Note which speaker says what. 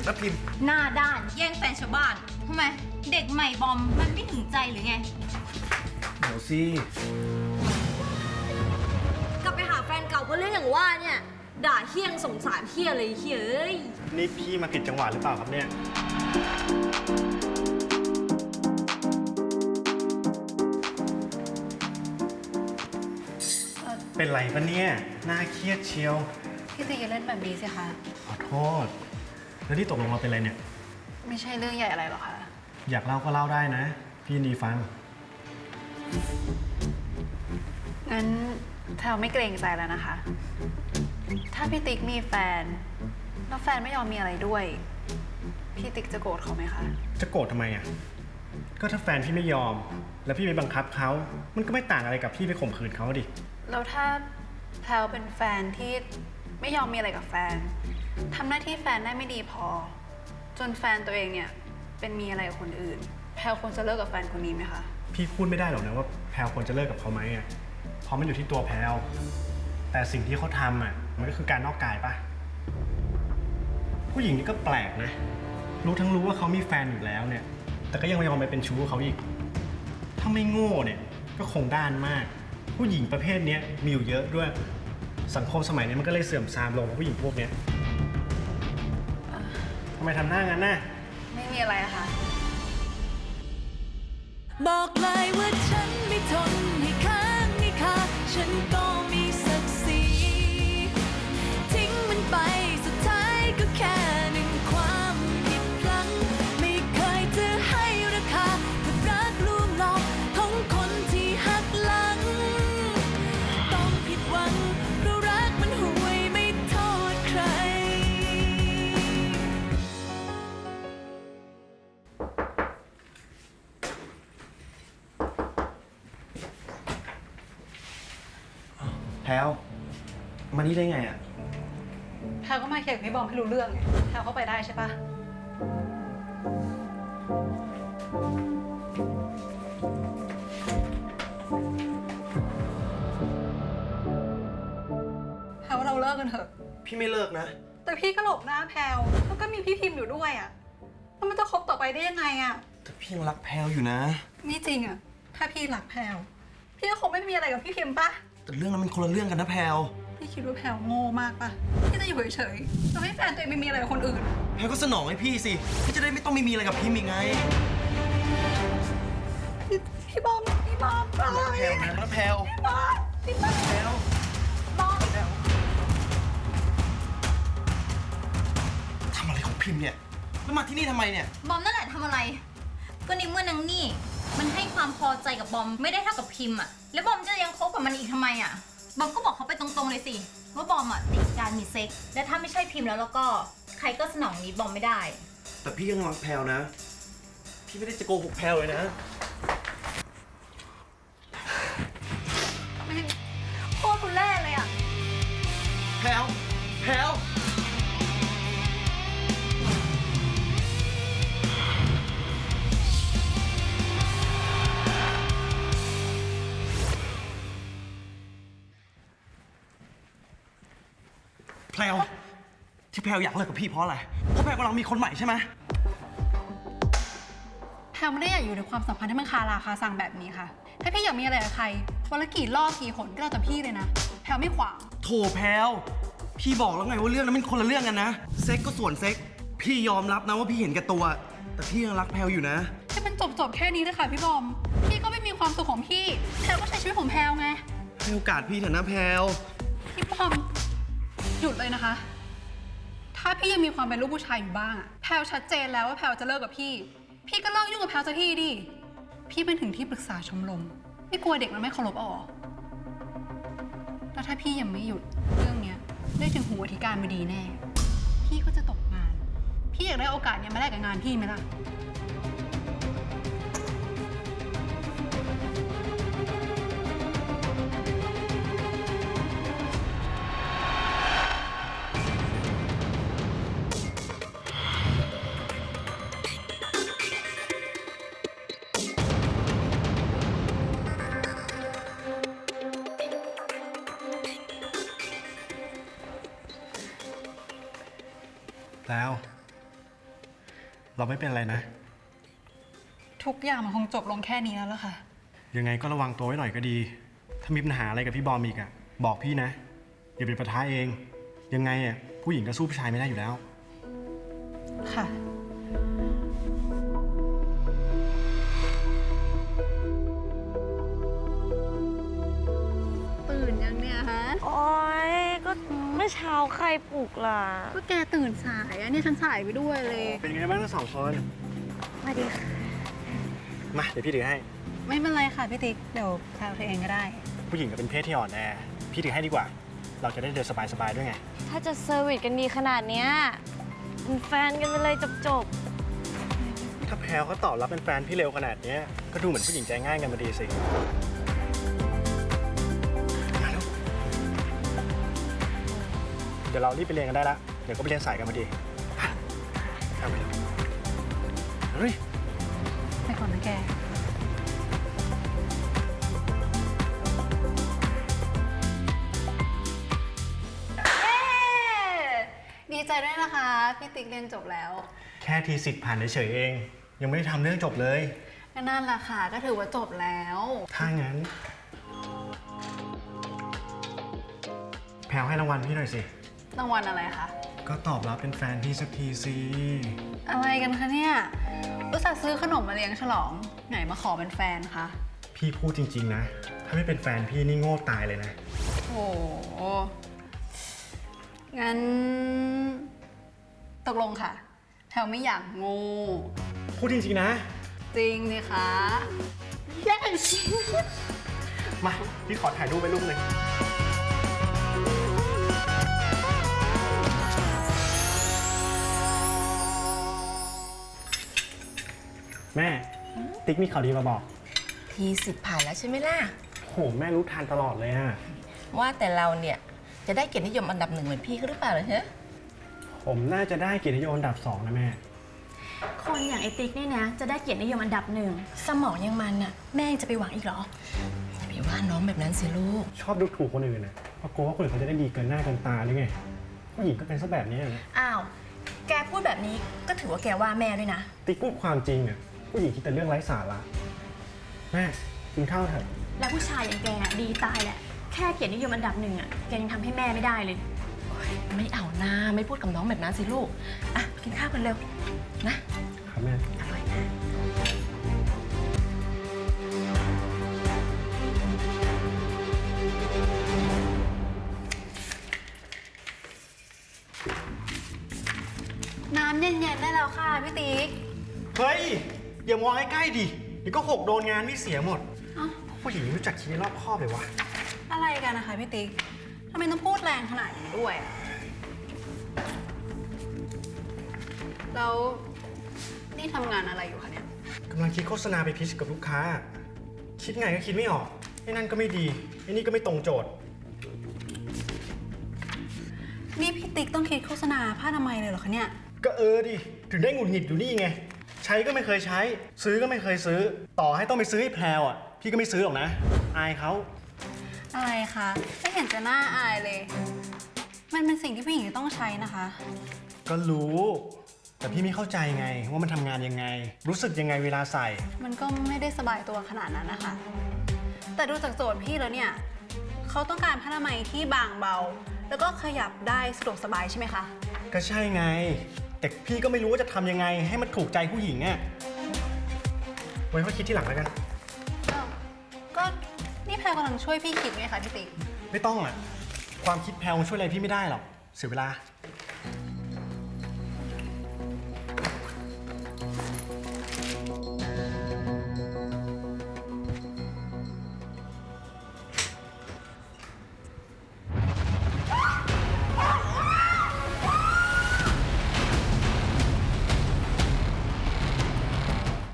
Speaker 1: แล้วพิมพ์
Speaker 2: หน้าด้านแย่งแฟนชาวบ้านทำไมเด็กใหม่บอมมันไม่ถึงใจหรือไง
Speaker 1: เดี๋ยวสิ
Speaker 3: กลับไปหาแฟนเก่าเพราะเรื่องอย่างว่าเนี่ยด่าเฮี้ยงสงสารเฮี้ยเลยเฮี้ยเอ้ย
Speaker 1: นี่พี่มาผิดจังหวะหรือเปล่าครับเนี่ยเป็นไรปะเนี่ยน่าเครียดเชียว
Speaker 4: พี่ตีอย่าเล่นแบบนี้สิคะ
Speaker 1: ขอโทษแล้วที่ตกลงมาเป็นอะไรเนี่ย
Speaker 4: ไม่ใช่เรื่องใหญ่อะไรหรอกค่ะ
Speaker 1: อยากเล่าก็เล่าได้นะพี่ยินดีฟัง
Speaker 4: งั้นแพลวไม่เกรงใจแล้วนะคะ ถ้าพี่ติ๊กมีแฟนแล้วแฟนไม่ยอมมีอะไรด้วย พี่ติ๊กจะโกรธเขาไหมคะ
Speaker 1: จะโกรธทำไมอ่ะก็ถ้าแฟนพี่ไม่ยอม แล้วพี่ไปบังคับเขามันก็ไม่ต่างอะไรกับพี่ไปข่มขืนเขาดิ
Speaker 4: แล้วถ้าแพลวเป็นแฟนที่ไม่ยอมมีอะไรกับแฟนทำหน้าที่แฟนได้ไม่ดีพอ จนแฟนตัวเองเนี่ยเป็นมีอะไรกับคนอื่น แพลวควรจะเลิกกับแฟนคนนี้ไหมคะ
Speaker 1: พี่พูดไม่ได้หรอกนะว่าแพลวควรจะเลิกกับเขาไหมอ่ะเพราะมันอยู่ที่ตัวแพลวแต่สิ่งที่เขาทำอ่ะมันก็คือการนอกกายปะผู้หญิงนี่ก็แปลกนะรู้ว่าเขามีแฟนอยู่แล้วเนี่ยแต่ก็ยังยอมไปเป็นชู้เขาอีกถ้าไม่โง่เนี่ยก็คงด้านมากผู้หญิงประเภทนี้มีอยู่เยอะด้วยสังคมสมัยนี้มันก็เลยเสื่อมทรามลงผู้หญิงพวกเนี้ยทำไมทำหน้างั้นน่ะ
Speaker 4: ไม่มีอะไรอะค่ะ
Speaker 5: บอกเลยว่าฉันไม่ทนให้ค้างให้คาฉันก็มีศักดิ์ศรีทิ้งมันไปสุดท้ายก็แค่หนึ่งความผิดพลั้งไม่เคยจะให้ราคากับรักลวงหลอกของคนที่หักหลังต้องผิดหวังเพราะรักมันห่วยไม่โทษใคร
Speaker 1: แพลวมานี่ได้ไงอ่ะ
Speaker 4: แพลวก็มาเคลียร์กับพี่บอมให้รู้เรื่องไงแพลวเข้าไปได้ใช่ปะแพลวว่าเราเลิกกันเถอะ
Speaker 1: พี่ไม่เลิกนะ
Speaker 4: แต่พี่ก็หลบหน้าแพลวแล้วก็มีพี่พิมพ์อยู่ด้วยอะแล้วมันจะคบต่อไปได้ยังไงอะ
Speaker 1: แต่พี่ยังรักแพลวอยู่นะ
Speaker 4: นี่จริงอะถ้าพี่รักแพลวพี่ก็คงไม่มีอะไรกับพี่พิมพ์ปะ
Speaker 1: แต่เรื่องนั้นมันคนละเรื่องกันนะแพลว
Speaker 4: พี่คิดว่าแพลวโง่มากปะพี่จะอยู่เฉยๆแล้วให้แฟนตัวเองไม่มีอะไรกับคนอื่น
Speaker 1: แพลวก็สนองให้พี่สิพี่จะได้ไม่ต้องมีอะไรกับพี่มีไง
Speaker 4: พี่บอมพี่บอมไป
Speaker 1: แพลวนะแพลว
Speaker 4: พี่บอมพี่บอม
Speaker 1: แพลว
Speaker 4: บอม
Speaker 1: ทำอะไรของพิมพ์เนี่ยแล้วมาที่นี่ทำไมเนี่ย
Speaker 2: บอมนั่นแหละทำอะไร ก็ในเมื่อนางนี่มันให้ความพอใจกับบอมไม่ได้เท่ากับพิมพ์อะแล้วบอมจะยังคบกับมันอีกทำไมอะบอมก็บอกเขาไปตรงๆเลยสิว่าบอมอะติดการมีเซ็กซ์และถ้าไม่ใช่พิมพ์แล้วก็ใครก็สนองนี้บอมไม่ได้
Speaker 1: แต่พี่ยังรักแพลวนะ พี่ไม่ได้จะโกหกแพลวเลยนะ
Speaker 4: โคตรทุเล่เลยอะ
Speaker 1: แพลวแพลวแพลวที่แพลวอยากเลิกกับพี่เพราะอะไร เพราะแพลวกำลังมีคนใหม่ใช่ไหม
Speaker 4: แพลวไม่ได้อยากอยู่ในความสัมพันธ์ที่มันคาราคาซังแบบนี้ค่ะ ถ้าพี่อยากมีอะไรกับใครวันละกี่รอบกี่หนก็แล้วแต่พี่เลยนะ แพลวไม่ขวาง
Speaker 1: โถแพลวพี่บอกแล้วไงว่าเรื่องนั้นมันคนละเรื่องกันนะ เซ็กก็ส่วนเซ็ก พี่ยอมรับนะว่าพี่เห็นแก่ตัว แต่พี่ยังรักแพลวอยู่นะ
Speaker 4: ให้มันจบแค่นี้เลยค่ะพี่บอม พี่ก็ไม่มีความสุขของพี่ แพลวก็ใช้ชีวิตของแพลวไง
Speaker 1: ให้โอกาสพี่เถอะนะแพลว
Speaker 4: พี่บอมหยุดเลยนะคะ ถ้าพี่ยังมีความเป็นลูกผู้ชายอยู่บ้างอะแพลวชัดเจนแล้วว่าแพลวจะเลิกกับพี่ พี่ก็เลิกยุ่งกับแพลวสักทีดิ พี่เป็นถึงที่ปรึกษาชมรม ไม่กลัวเด็กมันไม่เคารพเอาเหรอแล้วถ้าพี่ยังไม่หยุดเรื่องเนี้ยได้ถึงหูอธิการบดีแน่ พี่ก็จะตกงาน พี่อยากได้โอกาสเนี้ยมาแลกกับงานพี่ไหมล่ะ
Speaker 1: แล้วเราไม่เป็นอะไรนะ
Speaker 4: ทุกอย่างมันคงจบลงแค่นี้แล้วล่ะค่ะ
Speaker 1: ยังไงก็ระวังตัวไว้หน่อยก็ดี ถ้ามีปัญหาอะไรกับพี่บอมอีกอะบอกพี่นะอย่าเป็นปะทะเอง ยังไงอะผู้หญิงก็สู้ผู้ชายไม่ได้อยู่แล้ว
Speaker 4: ค่ะ ตื่นยังเนี่ยฮะ
Speaker 3: โอ๊ย ก็เมื่อเช้าใครปลุกล่ะ
Speaker 4: ก็แกตื่นสายอะเนี่ยฉันสายไปด้วยเลย
Speaker 1: เป็นไงบ้างทั้งสองคน
Speaker 3: สวัสดีค่ะ
Speaker 1: มาเดี๋ยวพี่ถือให้
Speaker 4: ไม่เป็นไรค่ะพี่ติ๊ก เดี๋ยวแพลวเธอเองก็ได้
Speaker 1: ผู้หญิงก็เป็นเพศที่อ่อนแอ พี่ถือให้ดีกว่า เราจะได้เดินสบายๆด้วยไง
Speaker 3: ถ้าจะเซอร์วิสกันดีขนาดเนี้ยเป็นแฟนกันไปเลยจบ
Speaker 1: ถ้าแพลวเขาตอบรับเป็นแฟนพี่เร็วขนาดเนี้ยก็ดูเหมือนผู้หญิงใจง่ายกันมาดีสิมาแล้วเดี๋ยวเรารีบไปเรียนกันได้ละเดี๋ยวก็ไปเรียนสายกันพอดีเอาไปเลยเฮ้ย
Speaker 4: ไปก่อนนะแก ดีใจด้วยนะคะ พี่ติ๊กเรียนจบแล้ว
Speaker 1: แค่ทีสิทธิ์ผ่านเฉยๆเอง ยังไม่ได้ทำเรื่องจบเลย
Speaker 4: ก็นั่นแหละค่ะ ก็ถือว่าจบแล้ว
Speaker 1: ถ้างั้น แพลวให้รางวัลพี่หน่อยสิ
Speaker 4: รางวัลอะไรคะ
Speaker 1: ก็ตอบรับเป็นแฟนพี่สักทีสิ
Speaker 4: อะไรกันคะเนี่ย อุตส่าห์ซื้อขนมมาเลี้ยงฉลอง ไหนมาขอเป็นแฟนคะ
Speaker 1: พี่พูดจริงๆนะ ถ้าไม่เป็นแฟนพี่นี่โง่ตายเลยนะ
Speaker 4: โอ้โห งั้น ตกลงค่ะ แพลไม่อยากงู
Speaker 1: พูดจริงๆนะ
Speaker 4: จริงสิคะ
Speaker 1: มา พี่ขอถ่ายรูปไปรูปหนึ่งแม่ ติ๊กมีข่าวดีมาบอก
Speaker 6: ทีสิทธิ์ผ่านแล้วใช่ไหมล่ะ
Speaker 1: โห แม่รู้ทันตลอดเลยอะ
Speaker 6: ว่าแต่เราเนี่ยจะได้เกียรตินิยมอันดับ1เหมือนพี่ก็หรือเปล่าเหรอฮะ
Speaker 1: ผมน่าจะได้เกียรตินิยมอันดับ 2 นะแม่
Speaker 7: คนอย่างไอติ๊กเนี่ยนะ จะได้เกียรตินิยมอันดับหนึ่งสมองยังมันน่ะแม่ยังจะไปหวังอีกเหรอ
Speaker 6: อย่าไปว่าน้องแบบนั้นสิลูก
Speaker 1: ชอบดูถูกคนอื่นนะเพราะกลัวว่าคนอื่นเขาจะได้ดีเกินหน้าเกินตาหรือไง ผู้หญิงก็เป็นซะแบบนี้นะ
Speaker 7: อ้าว แกพูดแบบนี้ก็ถือว่าแกว่าแม่ด้วยนะ
Speaker 1: ติ๊กพูดความจริงอะผู้หญิงคิดแต่เรื่องไร้สาระ แม่กินข้าวเถอะ
Speaker 7: แล้วผู้ชายอย่างแกอะดีตายแหละ แค่เกียรตินิยมอันดับหนึ่งอ่ะแกยังทำให้แม่ไม่ได้เลย
Speaker 6: ไม่เอาหน้าไม่พูดกับน้องแบบนั้นสิลูก อ่ะกินข้าวกันเร็วนะ
Speaker 1: ครับแม่
Speaker 6: อร่อยนะ
Speaker 4: น้ำเย็นๆได้แล้วค่ะพี่ติ๊ก
Speaker 1: เฮ้ย อย่ามองใกล้ๆดิ เดี๋ยวก็หกโดนงานนี่เสียหมด
Speaker 4: เอ้า
Speaker 1: ผู้หญิงรู้จักคิดรอบคอบเลยวะ
Speaker 4: อะไรกันนะคะพี่ติ๊ก ทำไมต้องพูดแรงขนาดนี้ด้วยอะแล้วนี่ทำงานอะไรอยู่คะเนี่ย
Speaker 1: กำลังคิดโฆษณาไปพิชกับลูกค้า คิดไงก็คิดไม่ออก ไอ้นั่นก็ไม่ดี ไอ้นี่ก็ไม่ตรงโจทย์
Speaker 4: นี่พี่ติ๊กต้องคิดโฆษณาผ้าอนามัยเลยเหรอคะเนี่ย
Speaker 1: ก็ดิ ถึงได้หงุดหงิดอยู่นี่ไง ใช้ก็ไม่เคยใช้ ซื้อก็ไม่เคยซื้อ ต่อให้ต้องไปซื้อให้แพรวอ่ะ พี่ก็ไม่ซื้อหรอกนะ อายเขา
Speaker 4: อะไรคะไม่เห็นจะน่าอายเลย มันเป็นสิ่งที่ผู้หญิงจะต้องใช้นะคะ
Speaker 1: ก็รู้ แต่พี่ไม่เข้าใจไงว่ามันทำงานยังไง รู้สึกยังไงเวลาใส่
Speaker 4: มันก็ไม่ได้สบายตัวขนาดนั้นนะคะ แต่ดูจากโจทย์พี่แล้วเนี่ยเขาต้องการผ้าอนามัยที่บางเบา แล้วก็ขยับได้สะดวกสบายใช่ไหมคะ
Speaker 1: ก็ใช่ไง แต่พี่ก็ไม่รู้ว่าจะทำยังไง ให้มันถูกใจผู้หญิงอ่ะไว้ค่อยคิดที่หลังแล้วกัน
Speaker 4: อ้าว ก็นี่แพรกำลังช่วยพี่คิดไงคะพี่ติ๊ก
Speaker 1: ไม่ต้องอ่ะ ความคิดแพลวช่วยอะไรพี่ไม่ได้หรอก เสียเวลา